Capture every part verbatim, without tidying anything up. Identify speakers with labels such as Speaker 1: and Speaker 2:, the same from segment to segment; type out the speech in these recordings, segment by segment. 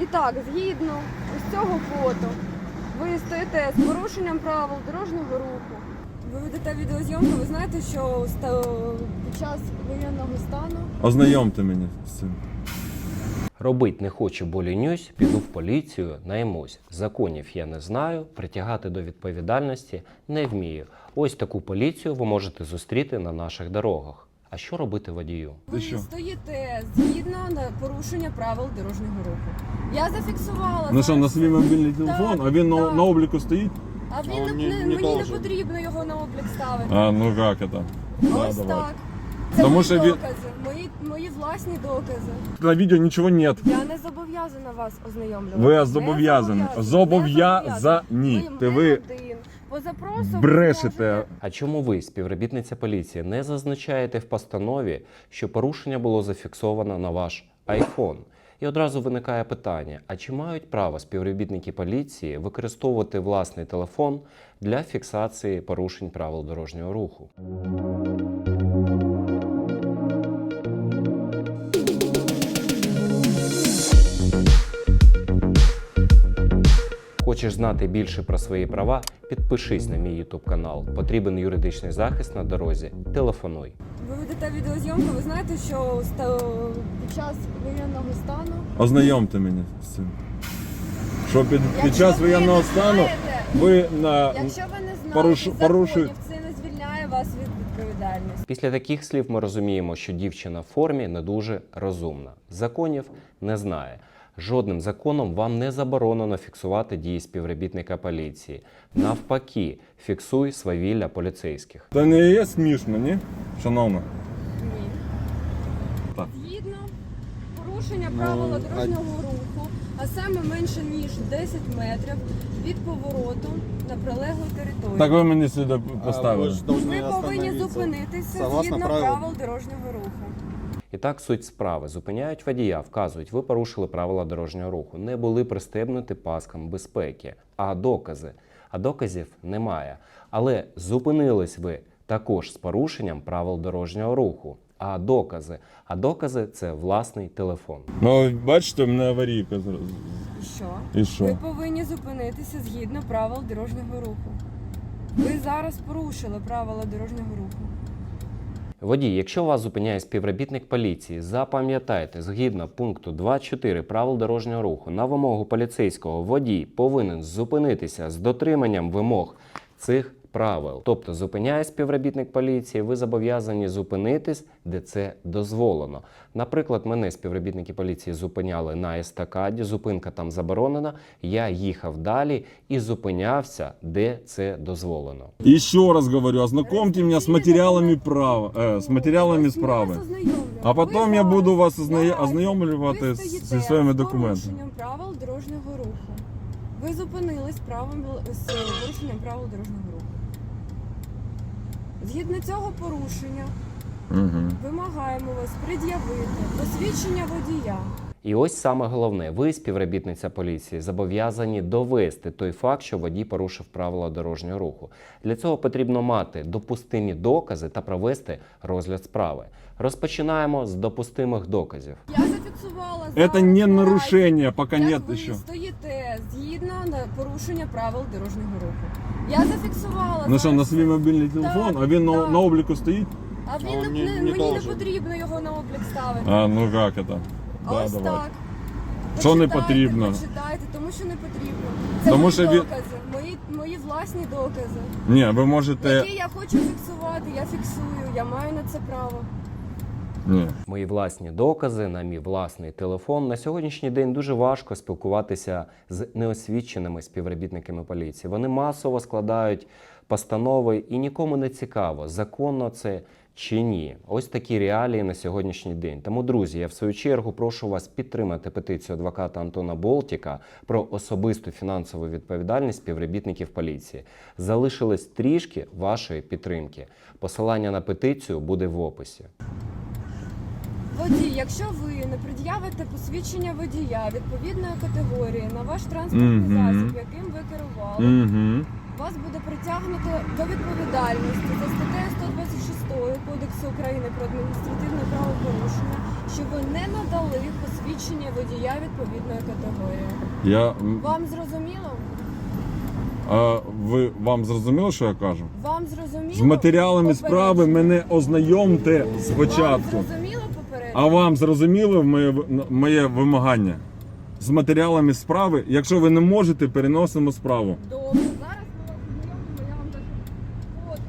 Speaker 1: так, згідно ось цього фото, ви стоїте з порушенням правил дорожнього руху. Ви ведете відеозйомку, ви знаєте, що під час воєнного стану...
Speaker 2: Ознайомте мене з цим.
Speaker 3: Робить не хочу, бо лінюсь, піду в поліцію, наймусь. Законів я не знаю, притягати до відповідальності не вмію. Ось таку поліцію ви можете зустріти на наших дорогах. А що робити водію?
Speaker 1: Ви стоїте згідно на порушення правил дорожнього руху. Я зафіксувала...
Speaker 2: Ну що, на свій мобільний телефон,
Speaker 1: так,
Speaker 2: а він на,
Speaker 1: так.
Speaker 2: на обліку стоїть?
Speaker 1: А він
Speaker 2: А
Speaker 1: не,
Speaker 2: не-
Speaker 1: не,
Speaker 2: не
Speaker 1: мені
Speaker 2: должен.
Speaker 1: не потрібно його на облік ставити.
Speaker 2: А, ну як це?
Speaker 1: Ось
Speaker 2: Да, давай.
Speaker 1: так. Це
Speaker 2: Тому
Speaker 1: мої
Speaker 2: що він-
Speaker 1: докази, мої, мої власні докази.
Speaker 2: На відео нічого нет.
Speaker 1: Я не зобов'язана вас ознайомлювати.
Speaker 2: Ви
Speaker 1: Не
Speaker 2: зобов'язані.
Speaker 1: Не
Speaker 2: Зобов'язані.
Speaker 1: Ви
Speaker 2: Ти ви
Speaker 1: один. По запросу
Speaker 2: брешете.
Speaker 1: можете-
Speaker 3: А чому ви, співробітниця поліції, не зазначаєте в постанові, що порушення було зафіксовано на ваш айфон? І одразу виникає питання, а чи мають право співробітники поліції використовувати власний телефон для фіксації порушень правил дорожнього руху? Хочеш знати більше про свої права? Підпишись на мій YouTube канал. Потрібен юридичний захист на дорозі? Телефонуй.
Speaker 1: Ви ведете відеозйомку, ви знаєте, що ста- під час воєнного стану...
Speaker 2: Ознайомте мене з цим. Що під, під
Speaker 1: Якщо
Speaker 2: час
Speaker 1: ви
Speaker 2: воєнного
Speaker 1: не
Speaker 2: стану
Speaker 1: знаєте,
Speaker 2: ви на...
Speaker 1: Якщо ви не знаєте
Speaker 2: Порушу-
Speaker 1: законів,
Speaker 2: порушують.
Speaker 1: це не звільняє вас від відповідальності.
Speaker 3: Після таких слів ми розуміємо, що дівчина в формі не дуже розумна. Законів не знає. Жодним законом вам не заборонено фіксувати дії співробітника поліції. Навпаки, фіксуй свавілля поліцейських.
Speaker 2: Це не є смішно, ні? Шановна.
Speaker 1: Ні.
Speaker 2: Так.
Speaker 1: Згідно порушення
Speaker 2: Ну,
Speaker 1: правила
Speaker 2: а-
Speaker 1: дорожнього руху, а саме менше ніж десять метрів від повороту на прилеглу територію.
Speaker 2: Так ви мені сюди поставили.
Speaker 4: Вы же должны
Speaker 1: Ви повинні
Speaker 4: остановиться.
Speaker 1: зупинитися
Speaker 4: Согласно
Speaker 1: згідно
Speaker 4: правил.
Speaker 1: правил дорожнього руху.
Speaker 3: І так суть справи. Зупиняють водія, вказують, ви порушили правила дорожнього руху, не були пристебнуті паскам безпеки. А докази? А доказів немає. Але зупинились ви також з порушенням правил дорожнього руху. А докази? А докази – це власний телефон.
Speaker 2: Ну, бачите, в мене аварійка зразу.
Speaker 1: І що?
Speaker 2: І що?
Speaker 1: Ви повинні зупинитися згідно правил дорожнього руху. Ви зараз порушили правила дорожнього руху.
Speaker 3: Водій, якщо вас зупиняє співробітник поліції, запам'ятайте, згідно пункту двадцять чотири правил дорожнього руху, на вимогу поліцейського водій повинен зупинитися з дотриманням вимог цих правил. Тобто, зупиняє співробітник поліції, ви зобов'язані зупинитись, де це дозволено. Наприклад, мене співробітники поліції зупиняли на естакаді, зупинка там заборонена, я їхав далі і зупинявся, де це дозволено.
Speaker 2: Еще раз говорю, ознакомьте меня с материалами права, э, с материалами
Speaker 1: Ось ми
Speaker 2: справи.
Speaker 1: вас ознайомлюємо.
Speaker 2: А потім
Speaker 1: Ви
Speaker 2: я буду
Speaker 1: зараз
Speaker 2: вас озна-
Speaker 1: знаєте,
Speaker 2: ознайомлювати
Speaker 1: ви
Speaker 2: з-
Speaker 1: стоїте
Speaker 2: зі своїми
Speaker 1: з
Speaker 2: документами.
Speaker 1: порушенням правил дорожнього руху. Ви зупинились правом, з порушенням правил дорожнього руху. Згідно цього порушення
Speaker 2: Угу.
Speaker 1: вимагаємо вас пред'явити посвідчення водія.
Speaker 3: І ось саме головне, ви, співробітниця поліції, зобов'язані довести той факт, що водій порушив правила дорожнього руху. Для цього потрібно мати допустимі докази та провести розгляд справи. Розпочинаємо з допустимих доказів.
Speaker 1: Я зафіксувала
Speaker 2: Это
Speaker 1: зараз
Speaker 2: не
Speaker 1: наразі,
Speaker 2: нарушение, пока
Speaker 1: як
Speaker 2: нет
Speaker 1: ви
Speaker 2: еще.
Speaker 1: стоїте згідно на порушення правил дорожнього руху. Я зафіксувала
Speaker 2: Ну що, на
Speaker 1: зараз
Speaker 2: свій мобільний телефон,
Speaker 1: Так,
Speaker 2: а він на,
Speaker 1: так.
Speaker 2: на обліку стоїть?
Speaker 1: А він
Speaker 4: А он
Speaker 1: не,
Speaker 4: не- не
Speaker 1: мені не
Speaker 4: должен.
Speaker 1: потрібно його на облік ставити.
Speaker 2: А, ну як це?
Speaker 1: А
Speaker 2: Да,
Speaker 1: ось
Speaker 2: давай.
Speaker 1: так.
Speaker 2: Що не
Speaker 1: Почитайте,
Speaker 2: потрібно?
Speaker 1: Почитайте, тому що не потрібно. Це
Speaker 2: Тому
Speaker 1: мої
Speaker 2: що він-
Speaker 1: докази, мої, мої власні докази,
Speaker 2: Ні, ви можете...
Speaker 1: які я хочу фіксувати, я фіксую, я маю на це право.
Speaker 2: Ні.
Speaker 3: Мої власні докази на мій власний телефон. На сьогоднішній день дуже важко спілкуватися з неосвіченими співробітниками поліції. Вони масово складають постанови і нікому не цікаво, законно це чи ні. Ось такі реалії на сьогоднішній день. Тому, друзі, я в свою чергу прошу вас підтримати петицію адвоката Антона Болтіка про особисту фінансову відповідальність співробітників поліції. Залишилось трішки вашої підтримки. Посилання на петицію буде в описі.
Speaker 1: Водій, якщо ви не пред'явите посвідчення водія відповідної категорії на ваш транспортний
Speaker 2: Мгм.
Speaker 1: засіб, яким ви керували,
Speaker 2: Угу.
Speaker 1: вас буде притягнуто до відповідальності за статтею сто двадцять шість Кодексу України про адміністративне правопорушення, що ви не надали посвідчення водія відповідної категорії.
Speaker 2: Я... м,
Speaker 1: Вам зрозуміло?
Speaker 2: А ви, вам зрозуміло, що я кажу?
Speaker 1: Вам зрозуміло?
Speaker 2: З матеріалами справи
Speaker 1: Попередження.
Speaker 2: мене ознайомте спочатку.
Speaker 1: Вам зрозуміло попередньо?
Speaker 2: А вам зрозуміло моє, моє вимагання? З матеріалами справи, якщо ви не можете, переносимо справу.
Speaker 1: Добре, зараз ми вас ознайомимо, я вам даже фото.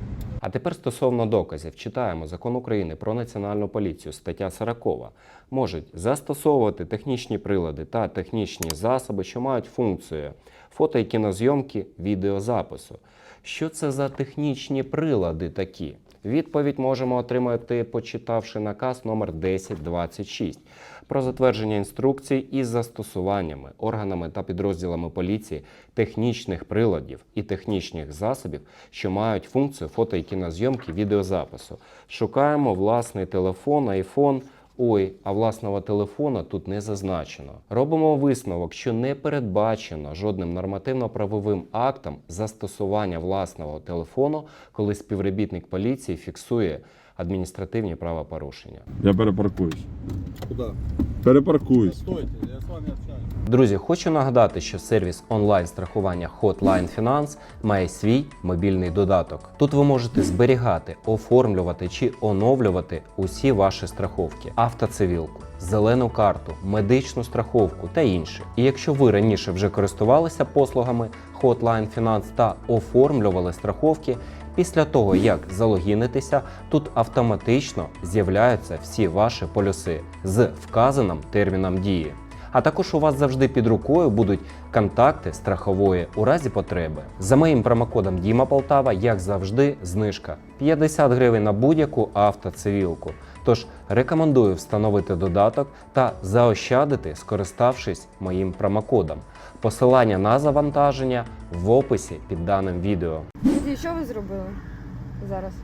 Speaker 3: А тепер стосовно доказів. Читаємо Закон України про Національну поліцію, стаття сорок. Можуть застосовувати технічні прилади та технічні засоби, що мають функцію фото- і кінозйомки, відеозапису. Що це за технічні прилади такі? Відповідь можемо отримати, почитавши наказ номер десять двадцять шість про затвердження інструкцій із застосуваннями органами та підрозділами поліції технічних приладів і технічних засобів, що мають функцію фото- і кінозйомки, відеозапису. Шукаємо власний телефон, айфон. Ой, а власного телефона тут не зазначено. Робимо висновок, що не передбачено жодним нормативно-правовим актом застосування власного телефону, коли співробітник поліції фіксує адміністративні правопорушення.
Speaker 2: Я перепаркуюсь.
Speaker 4: Куда?
Speaker 2: Перепаркуюсь.
Speaker 4: Стойте, я с вами общаюсь.
Speaker 3: Друзі, хочу нагадати, що сервіс онлайн-страхування Hotline Finance має свій мобільний додаток. Тут ви можете зберігати, оформлювати чи оновлювати усі ваші страховки, автоцивілку, зелену карту, медичну страховку та інше. І якщо ви раніше вже користувалися послугами Hotline Finance та оформлювали страховки, після того, як залогінитеся, тут автоматично з'являються всі ваші полюси з вказаним терміном дії. А також у вас завжди під рукою будуть контакти страхової у разі потреби. За моїм промокодом Діма Полтава, як завжди, знижка п'ятдесят гривень на будь-яку автоцивілку. Тож рекомендую встановити додаток та заощадити, скориставшись моїм промокодом. Посилання на завантаження в описі під даним відео.
Speaker 1: Водій, що ви зробили зараз?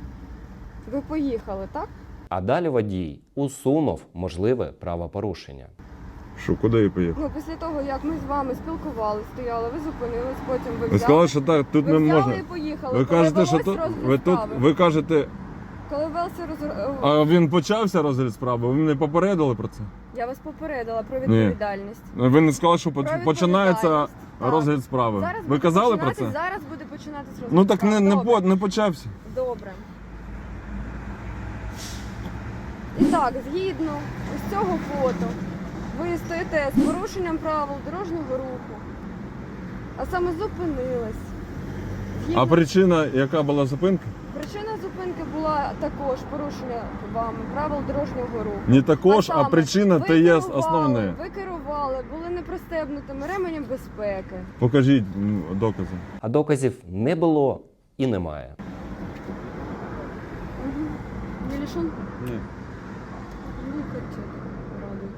Speaker 1: Ви поїхали, так?
Speaker 3: А далі водій усунув можливе правопорушення.
Speaker 2: Що, куди я поїхав?
Speaker 1: Ну, після того, як ми з вами спілкувалися, стояли, ви зупинились, потім ви
Speaker 2: Ви
Speaker 1: взяли,
Speaker 2: сказали, що так, тут
Speaker 1: ви
Speaker 2: не
Speaker 1: взяли
Speaker 2: можна.
Speaker 1: і поїхали.
Speaker 2: Ви
Speaker 1: Коли
Speaker 2: кажете, що
Speaker 1: велось
Speaker 2: тут,
Speaker 1: розгляд
Speaker 2: ви тут,
Speaker 1: справи.
Speaker 2: ви кажете,
Speaker 1: Коли велся роз...
Speaker 2: а він почався розгляд справи, ви мене попередили про це?
Speaker 1: Я вас попередила про відповідальність.
Speaker 2: Ви не сказали, що
Speaker 1: Про
Speaker 2: поч- починається
Speaker 1: відповідальність. Так.
Speaker 2: розгляд справи.
Speaker 1: Зараз
Speaker 2: Ви
Speaker 1: буде
Speaker 2: казали про
Speaker 1: починатись-
Speaker 2: це?
Speaker 1: Зараз буде починатись розгляд
Speaker 2: Ну так не,
Speaker 1: справи.
Speaker 2: не,
Speaker 1: Добре.
Speaker 2: по- не почався.
Speaker 1: Добре. І так, згідно з цього фото, ви стоїте з порушенням правил дорожнього руху, а саме зупинились. Згідно...
Speaker 2: А причина, яка була зупинка?
Speaker 1: Причина зупинки була також порушення вами правил дорожнього руху.
Speaker 2: Не також, а,
Speaker 1: саме,
Speaker 2: причина
Speaker 1: ви
Speaker 2: то є
Speaker 1: керували,
Speaker 2: основне.
Speaker 1: Ви керували, були не пристебнутими ременем безпеки.
Speaker 2: Покажіть м, докази.
Speaker 3: А доказів не було і немає.
Speaker 1: Угу. Не лишен?
Speaker 2: Ні.
Speaker 1: Ну, хотів радий.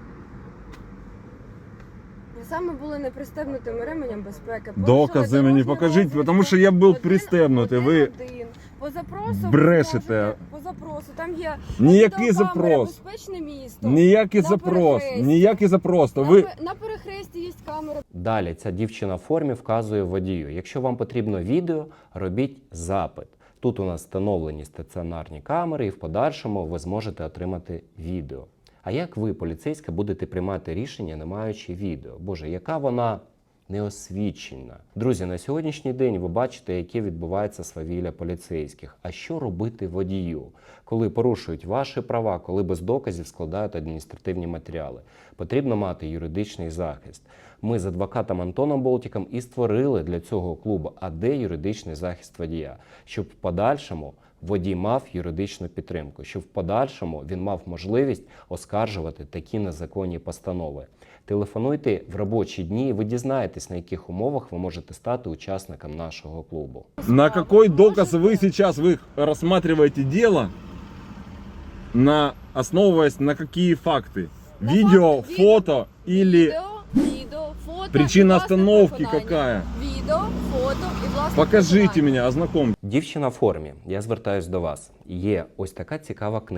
Speaker 1: Саме були не пристебнутими ременем безпеки.
Speaker 2: Докази
Speaker 1: Порушили
Speaker 2: мені
Speaker 1: дорожню
Speaker 2: покажіть,
Speaker 1: розвитку.
Speaker 2: тому що я був
Speaker 1: Один-
Speaker 2: пристебнутий. Ви
Speaker 1: один-один. По запросу
Speaker 2: брешете.
Speaker 1: ви можете- По запросу. Там є
Speaker 2: Ніякий
Speaker 1: відеокамера,
Speaker 2: запрос.
Speaker 1: безпечне місто.
Speaker 2: ніякий
Speaker 1: На
Speaker 2: запрос,
Speaker 1: перехресті.
Speaker 2: ніякий запрос. То
Speaker 1: На,
Speaker 2: ви
Speaker 1: пе- на перехресті є камера.
Speaker 3: Далі ця дівчина в формі вказує водію. Якщо вам потрібно відео, робіть запит. Тут у нас встановлені стаціонарні камери, і в подальшому ви зможете отримати відео. А як ви, поліцейська, будете приймати рішення, не маючи відео? Боже, яка вона неосвічена. Друзі, на сьогоднішній день ви бачите, яке відбувається свавілля поліцейських. А що робити водію, коли порушують ваші права, коли без доказів складають адміністративні матеріали? Потрібно мати юридичний захист. Ми з адвокатом Антоном Болтіком і створили для цього клубу «А де юридичний захист водія?», щоб в подальшому водій мав юридичну підтримку, щоб в подальшому він мав можливість оскаржувати такі незаконні постанови. Телефонуйте в робочі дні, і ви дізнаєтесь, на яких умовах ви можете стати учасником нашого клубу.
Speaker 2: на какой доказ вы сейчас вы рассматриваете дело, на основываясь на какие факты?
Speaker 1: На
Speaker 2: Видео,
Speaker 1: факты,
Speaker 2: фото или
Speaker 1: Відео, відео, фото.
Speaker 2: причина
Speaker 1: і власне
Speaker 2: остановки
Speaker 1: переконання.
Speaker 2: какая?
Speaker 1: Відео, фото і власне
Speaker 2: Покажите
Speaker 1: переконання.
Speaker 2: меня, ознакомьте.
Speaker 3: Дівчина в формі, я звертаюсь до вас. Є ось така цікава книга.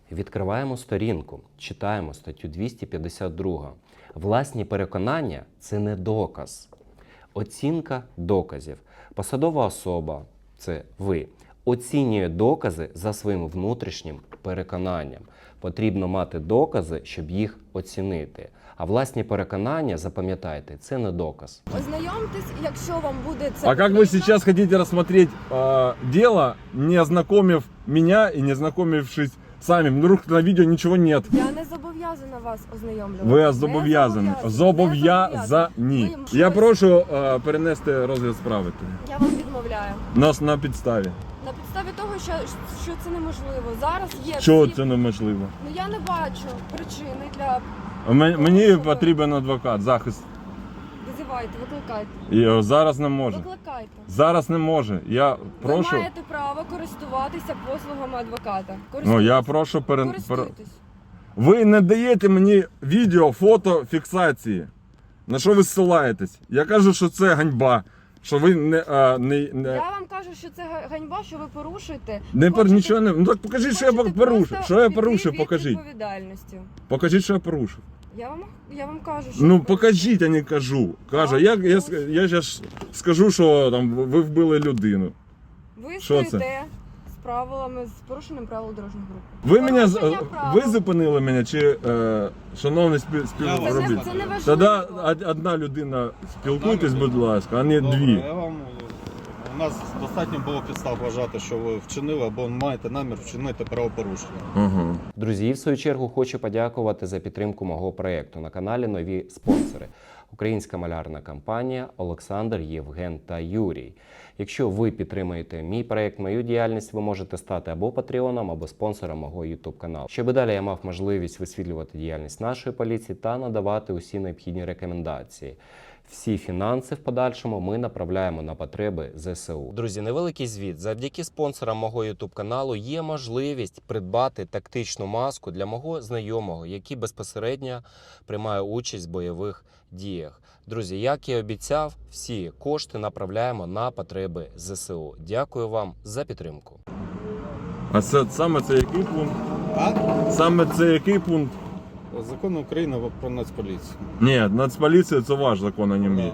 Speaker 3: Відкриваємо сторінку, читаємо статтю двісті п'ятдесят два. Власні переконання – це не доказ. Оцінка доказів. Посадова особа – це ви. Оцінює докази за своїм внутрішнім переконанням. Потрібно мати докази, щоб їх оцінити. А власні переконання, запам'ятайте, це не доказ.
Speaker 1: Ознайомтесь, якщо вам буде це
Speaker 2: А как вы
Speaker 1: потрібно.
Speaker 2: сейчас хотите рассмотреть э, дело, не ознакомив меня и не ознакомившись сами? Вдруг на видео ничего нет.
Speaker 1: Я не зобов'язана вас ознайомлювати.
Speaker 2: Ви
Speaker 1: Не
Speaker 2: зобов'язані.
Speaker 1: зобов'язана.
Speaker 2: Зобов'язані.
Speaker 1: Ви
Speaker 2: Я
Speaker 1: щось-
Speaker 2: прошу е, перенести розгляд справи.
Speaker 1: Я вам відмовляю.
Speaker 2: Нас на підставі.
Speaker 1: На підставі того, що, що це неможливо. Зараз є
Speaker 2: Чого
Speaker 1: всі-
Speaker 2: це неможливо?
Speaker 1: Ну я не бачу причини для...
Speaker 2: М- Мені потрібен адвокат, захист.
Speaker 1: Визивайте, викликайте.
Speaker 2: І е, зараз не може.
Speaker 1: Викликайте.
Speaker 2: Зараз не може. Я прошу.
Speaker 1: Ви маєте право користуватися послугами адвоката.
Speaker 2: Ну я прошу перен... пер...
Speaker 1: Користуйтесь.
Speaker 2: Ви не даєте мені відео, фото, фіксації. На що ви ссилаєтесь? Я кажу, що це ганьба. Що ви не. А, не, не...
Speaker 1: Я вам кажу, що це га- ганьба, що ви порушуєте.
Speaker 2: Не пер...
Speaker 1: Хочете-
Speaker 2: нічого не. Ну так покажіть, що я
Speaker 1: хочете
Speaker 2: порушив.
Speaker 1: просто
Speaker 2: Що я
Speaker 1: піти
Speaker 2: порушив,
Speaker 1: від
Speaker 2: покажіть.
Speaker 1: відповідальності.
Speaker 2: Покажіть, що я порушив.
Speaker 1: Я вам, я вам кажу, що...
Speaker 2: Ну
Speaker 1: ви
Speaker 2: покажіть, а не кажу. Каже,
Speaker 1: А,
Speaker 2: я, я,
Speaker 1: ну.
Speaker 2: ск- я зараз скажу, що там ви вбили людину.
Speaker 1: Ви
Speaker 2: Що це?
Speaker 1: стоїте з правилами, з порушенням правил дорожнього руху.
Speaker 2: Ви мене з-
Speaker 1: Порушення
Speaker 2: е,
Speaker 1: правил.
Speaker 2: ви зупинили мене чи е, шановний спів,
Speaker 1: Це не,
Speaker 2: співробітник?
Speaker 1: це не важливо.
Speaker 2: Тоді од- одна людина спілкуйтесь, будь ласка, а не
Speaker 4: Добре,
Speaker 2: дві.
Speaker 4: я вам, у нас достатньо було підстав вважати, що ви вчинили або маєте намір вчинити правопорушення.
Speaker 2: Ага.
Speaker 3: Друзі, і в свою чергу хочу подякувати за підтримку мого проєкту. На каналі нові спонсори. Українська малярна компанія, Олександр, Євген та Юрій. Якщо ви підтримуєте мій проєкт, мою діяльність, ви можете стати або патреоном, або спонсором мого YouTube каналу. Щоб і далі я мав можливість висвітлювати діяльність нашої поліції та надавати усі необхідні рекомендації. Всі фінанси в подальшому ми направляємо на потреби зе се у. Друзі, невеликий звіт. Завдяки спонсорам мого YouTube каналу є можливість придбати тактичну маску для мого знайомого, який безпосередньо приймає участь в бойових діях. Друзі, як і обіцяв, всі кошти направляємо на потреби зе се у. Дякую вам за підтримку.
Speaker 2: А це саме це який пункт?
Speaker 4: А?
Speaker 2: Саме це який пункт?
Speaker 4: Закон України про Нацполіцію.
Speaker 2: Ні, Нацполіція це ваш закон, а не мій.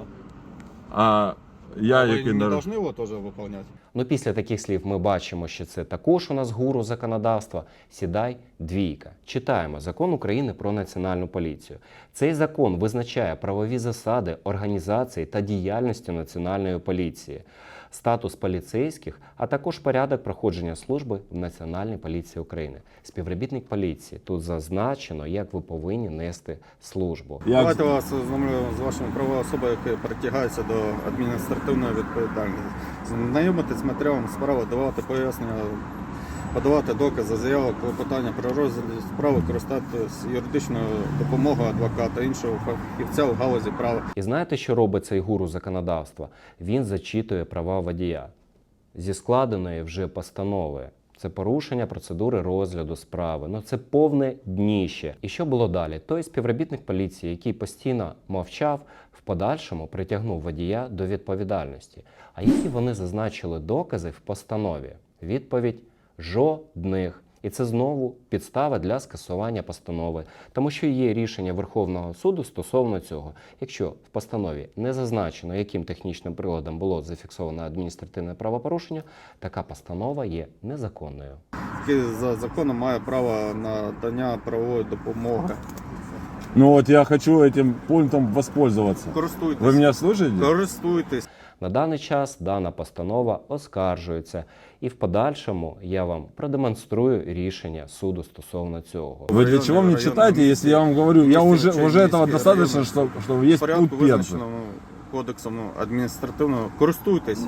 Speaker 2: А я
Speaker 4: а ви
Speaker 2: який
Speaker 4: не
Speaker 2: народ.
Speaker 4: повинні його теж виконувати?
Speaker 3: Ну, після таких слів ми бачимо, що це також у нас гуру законодавства. Сідай, двійка. Читаємо Закон України про Національну поліцію. Цей закон визначає правові засади організації та діяльності Національної поліції, статус поліцейських, а також порядок проходження служби в Національній поліції України. Співробітник поліції. Тут зазначено, як ви повинні нести службу.
Speaker 2: Як...
Speaker 4: Давайте вас ознайомлю з вашою правовою особою, яка притягається до адміністративної відповідальності. Знайомитись з матеріалом справи, давати пояснення, подавати докази, заяви, клопотання про розгляд справи, користатися юридичною допомогою адвоката, іншого фахівця в галузі права.
Speaker 3: І знаєте, що робить цей гуру законодавства? Він зачитує права водія зі складеної вже постанови. Це порушення процедури розгляду справи. Ну це повне дніще. І що було далі? Той співробітник поліції, який постійно мовчав, в подальшому притягнув водія до відповідальності. А які вони зазначили докази в постанові? Відповідь – жодних. І це знову підстава для скасування постанови, тому що є рішення Верховного суду стосовно цього. Якщо в постанові не зазначено, яким технічним приладом було зафіксовано адміністративне правопорушення, така постанова є незаконною.
Speaker 4: Який за законом має право на надання правової допомоги.
Speaker 2: Ну вот я хочу этим пунктом воспользоваться.
Speaker 4: Користуйтесь.
Speaker 2: Вы меня слышите?
Speaker 4: Користуйтесь.
Speaker 3: На даний час дана постанова оскаржується, і в подальшому я вам продемонструю рішення суду стосовно цього.
Speaker 2: Вы для чего мне читаете, если я вам говорю, я уже, уже этого достаточно, что, что
Speaker 4: В
Speaker 2: есть
Speaker 4: порядку
Speaker 2: пункт первый.
Speaker 4: визначеному кодексом ну, адміністративного. Користуйтесь.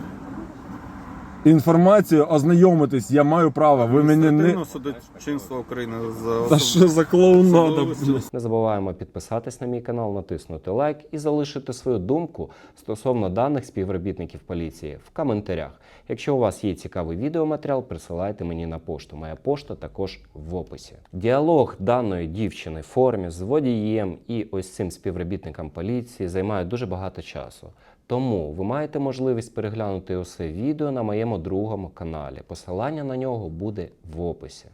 Speaker 2: Інформацію ознайомитись, я маю право. Ви мене не...
Speaker 4: Адміністративного судочинства України. За
Speaker 2: Та що за клоунада,
Speaker 4: Судовий
Speaker 2: блядь?
Speaker 3: Не забуваємо підписатись на мій канал, натиснути лайк і залишити свою думку стосовно даних співробітників поліції в коментарях. Якщо у вас є цікавий відеоматеріал, присилайте мені на пошту. Моя пошта також в описі. Діалог даної дівчини в формі з водієм і ось цим співробітником поліції займає дуже багато часу. Тому ви маєте можливість переглянути усе відео на моєму другому каналі. Посилання на нього буде в описі.